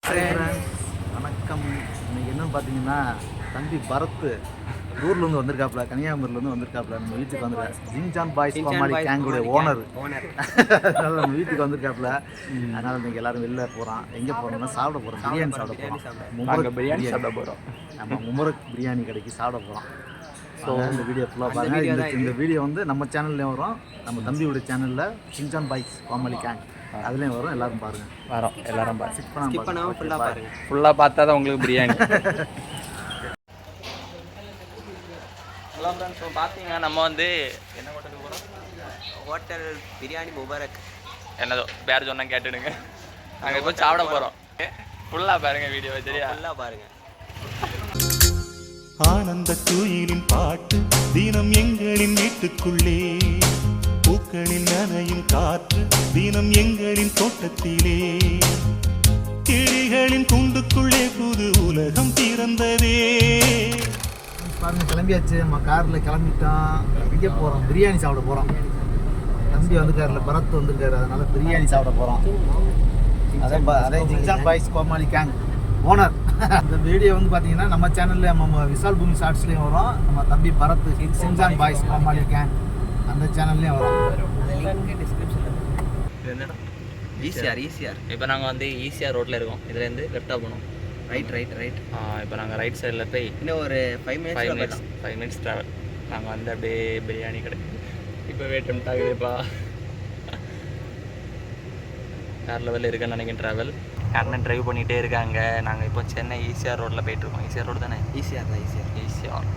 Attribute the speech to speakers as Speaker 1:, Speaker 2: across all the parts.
Speaker 1: வணக்கம். இன்னைக்கு என்னன்னு பார்த்தீங்கன்னா, தம்பி பரத் ஊர்லேருந்து வந்திருக்காப்புல, கன்னியாகுமரியிலேருந்து வந்திருக்காப்புல. நம்ம வீட்டுக்கு வந்துருக்காரு. ஜின்ஜான் பாய்ஸ் கோமாளி கேங்குடைய ஓனர். அதனால் நம்ம வீட்டுக்கு வந்திருக்காப்புல. அதனால் இன்னைக்கு எல்லாரும் வெளில போகிறோம். எங்கே போகிறோம்னா சாப்பிட போகிறோம். பிரியாணி சாப்பிட போகிறோம்.
Speaker 2: பிரியாணி சாப்பிட போகிறோம்.
Speaker 1: நம்ம முமரக் பிரியாணி கடைக்கு சாப்பிட போகிறோம். ஸோ இந்த வீடியோ ஃபுல்லாக பாருங்கள். இந்த வீடியோ வந்து நம்ம சேனல்லையும் வரும், நம்ம தம்பியோட சேனலில் ஜின்ஜான் பாய்ஸ் கோமாளி கேங் அதுலேயும் வரும். எல்லாரும் பாருங்கள்.
Speaker 2: வரோம் எல்லாரும்
Speaker 1: ஃபுல்லாக பாருங்கள்.
Speaker 2: ஃபுல்லாக பார்த்தா தான் உங்களுக்கு பிரியாணி. ஹலோ ஃப்ரெண்ட்ஸ், இப்போ பார்த்தீங்கன்னா நம்ம வந்து என்ன ஹோட்டலுக்கு போகிறோம்?
Speaker 3: ஹோட்டல் பிரியாணி முபாரக்.
Speaker 2: என்னதோ பேர் சொன்னால் கேட்டுடுங்க. நாங்கள் இப்போ சாப்பிட போகிறோம். ஃபுல்லாக பாருங்கள் வீடியோ. சரியா?
Speaker 3: ஃபுல்லாக பாருங்கள்.
Speaker 4: ஆனந்த குயிலின் பாட்டு தினம் எங்களின் வீட்டுக்குள்ளே, பூக்களில் நனையும் காற்று தினம் எங்களின் தோட்டத்திலே, கிளிகளின் கூண்டுக்குள்ளே புது உலகம் பிறந்ததே.
Speaker 1: பாருங்க, கிளம்பியாச்சு. நம்ம காரில் கிளம்பிட்டோம். எங்கே போகிறோம்? பிரியாணி சாப்பிட போகிறோம். தம்பி வந்துருக்காருல, பரத் வந்துருக்காரு. அதனால பிரியாணி சாப்பிட போகிறோம். அதே Shinchan boys Komali gang owner. இந்த வீடியோ வந்து பார்த்தீங்கன்னா நம்ம சேனலில் நம்ம விஷால் பூமி ஷார்ட்ஸ்லேயும் வரும், நம்ம தம்பி Bharath Shinchan boys Komali gang அந்த சேனல்லையும் வரும்.
Speaker 3: ஈஸியார்.
Speaker 2: இப்போ நாங்கள் வந்து ஈஸியாக ரோட்டில் இருக்கோம். இதுலேருந்து லெஃப்டாக போகணும்.
Speaker 3: ரைட்.
Speaker 2: இப்போ நாங்கள் ரைட் சைடில் போய்
Speaker 3: இன்னும் ஒரு 5
Speaker 2: மினிட்ஸ் ட்ராவல். நாங்கள் வந்து அப்படியே பிரியாணி கடை இப்போ டெம்ப்ட் ஆகுதுப்பா. வேறு லெவலில் இருக்குன்னு நினைக்கிறேன் ட்ராவல். அண்ணன் ட்ரைவ் பண்ணிகிட்டே இருக்காங்க. நாங்கள் இப்போ சென்னை ஈசிஆர் ரோட்டில் போயிட்டுருக்கோம். ஈசிஆர் ரோடு தானே? ஈசிஆர்.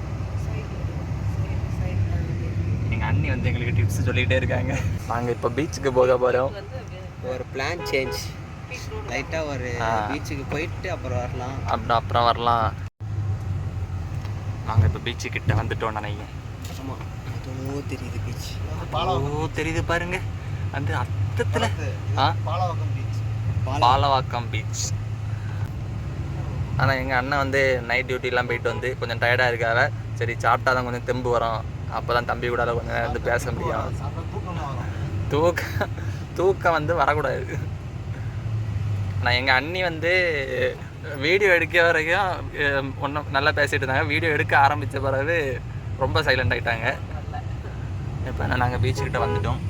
Speaker 2: எங்கள் அண்ணி வந்து எங்களுக்கு டிப்ஸ் சொல்லிகிட்டே இருக்காங்க. நாங்கள் இப்போ பீச்சுக்கு போக போகிறோம்.
Speaker 3: ஒரு பிளான் சேஞ்ச். லைட்டாக ஒரு பீச்சுக்கு போயிட்டு அப்புறம்
Speaker 2: வரலாம். நாங்கள் இப்போ பீச்சுக்கிட்ட வந்துட்டோம் நினைக்கிறேன்.
Speaker 3: ஆமாம், அதுவும் தெரியுது பீச்.
Speaker 2: தெரியுது பாருங்க அந்த அர்த்தத்தில். பாலவாக்கம் பீச். ஆனால் எங்கள் அண்ணன் வந்து நைட் டியூட்டிலாம் போயிட்டு வந்து கொஞ்சம் டயர்டாக இருக்காங்க. சரி, சாப்பிட்டா தான் கொஞ்சம் தெம்பு வரும். அப்போ தான் தம்பி கூட கொஞ்சம் நேரம் வந்து பேச முடியும். தூக்கம் வந்து வரக்கூடாது. ஆனால் எங்கள் அண்ணி வந்து வீடியோ எடுக்க வரைக்கும் ஒன்றும் நல்லா பேசிகிட்டு இருந்தாங்க. வீடியோ எடுக்க ஆரம்பித்த பிறகு ரொம்ப சைலண்ட் ஆகிட்டாங்க. இப்போ நாங்கள் பீச்சுக்கிட்ட வந்துட்டோம்.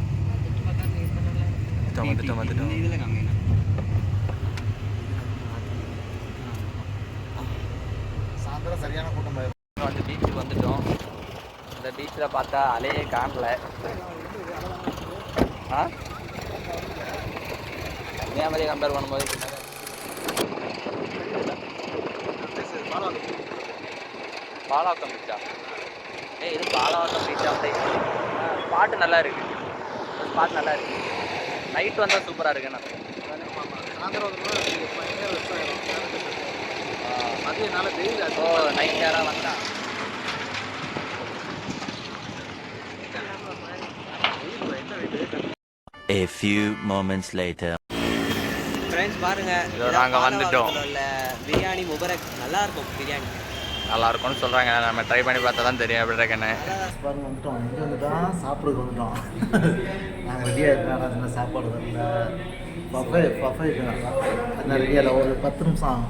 Speaker 1: சரியான கூட்டம்.
Speaker 2: வந்து பீச்சுக்கு வந்துட்டோம். இந்த பீச்சில் பார்த்தா அலையே காணல. கன்னியாகுமரியை கம்பேர் பண்ணும்போது பாலவாக்கம் பீச்சா? இது பாலவாக்கம் பீச்சா? ஸ்பாட்டு நல்லா இருக்குது. ஸ்பாட் நல்லா இருக்குது. நைட் வந்தால் சூப்பராக இருக்குண்ணா. நைட் நேரம் வந்தா
Speaker 5: A few moments later.
Speaker 3: Friends பாருங்க,
Speaker 2: நாங்கள் வந்துட்டோம்.
Speaker 3: பிரியாணி முபாரக் நல்லா இருக்கும். பிரியாணி
Speaker 2: நல்லா இருக்கும்னு சொல்கிறாங்க. நம்ம ட்ரை பண்ணி பார்த்தா தான் தெரியும் எப்படி இருக்குன்னு.
Speaker 1: பாருங்க, வந்துட்டோம். இங்கே வந்துட்டோம், சாப்பிட்றதுக்கு வந்துட்டோம். நாங்கள் ரெடியாக இருக்கிறோம். சாப்பாடு வரல. பஃபே என்ன ரெடியாக ஒரு 10 நிமிஷம்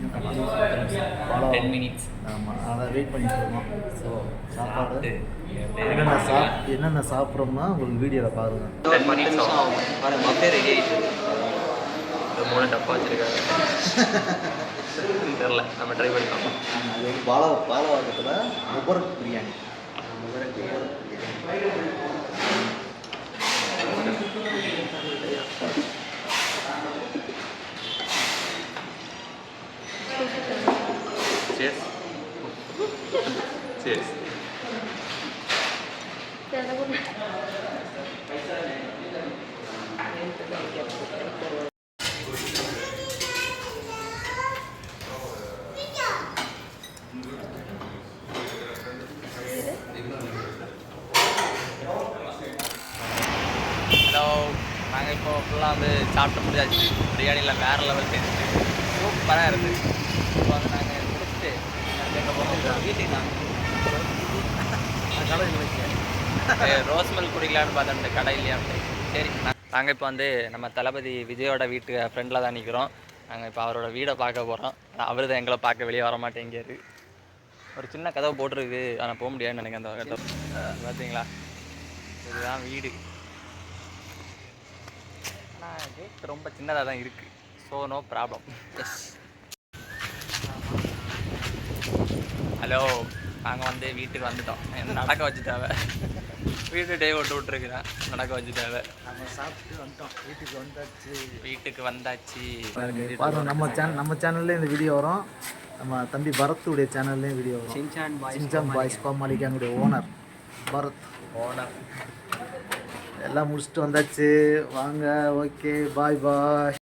Speaker 2: 10 மினிட்ஸ்.
Speaker 1: ஆமாம், அதை வெயிட் பண்ணிட்டு இருக்கோம். ஸோ சாப்பாடு என்னென்ன சாப்பிட்றோம்னா உங்களுக்கு வீடியோவில் பாருங்கள்.
Speaker 2: 10 மினிட்ஸ்
Speaker 3: பஃபே ரெடி ஆகிட்டு.
Speaker 2: 3 டப்பா வச்சுருக்காங்க. தெரில, நம்ம ட்ரை பண்ணி பார்ப்போம்.
Speaker 1: அது வந்து பாலவாக்கத்தில் முபாரக் பிரியாணி.
Speaker 2: Cheers. ஹலோ, நாங்கள் இப்போ ஃபுல்லாக வந்து சாப்பிட்டு முடிஞ்சாச்சு. பிரியாணியில் வேறு லெவல் டேஸ்ட்டு சூப்பராக இருக்குது. இப்போ வந்து நாங்கள் முடிச்சுட்டு எங்கள் போகிறோம் வீட்டுக்கு. ரோஸ் மில்க் குடிக்கலான்னு பார்த்தேன் இந்த கடையிலேயே. சரி, நாங்கள் இப்போ வந்து நம்ம தளபதி விஜயோட வீட்டு ஃப்ரெண்டில் தான் நிற்கிறோம். நாங்கள் இப்போ அவரோட வீடை பார்க்க போகிறோம். அவர் தான் எங்களை பார்க்க வெளியே வர மாட்டேங்காரு. ஒரு சின்ன கதவை போட்டிருக்கு, ஆனால் போக முடியாதுன்னு நினைக்கிறேன். அந்த கதவை பார்த்தீங்களா, இதுதான் வீடு. ஆனால் கேட் ரொம்ப சின்னதாக தான் இருக்குது. So no problem. Yes. Hello, நாங்கள் வந்து வீட்டுக்கு வந்துட்டோம். என்ன நடக்க வச்சுட்டாவ, வீட்டு டே விட்டு விட்டுருக்குறேன், நடக்க வச்சுட்டாவ.
Speaker 1: நம்ம சாப்பிட்டு வந்துட்டோம், வீட்டுக்கு வந்தாச்சு.
Speaker 2: பாருங்கள்,
Speaker 1: நம்ம சேனல்லே இந்த வீடியோ வரும், நம்ம தம்பி பரத்துடைய சேனல்லையும் வீடியோ வரும். சின்சான் பாய்ஸ் கோமாளி கேங்குடைய ஓனர் பரத். எல்லாம் முடிச்சுட்டு வந்தாச்சு. வாங்க, ஓகே, பாய் பாய்.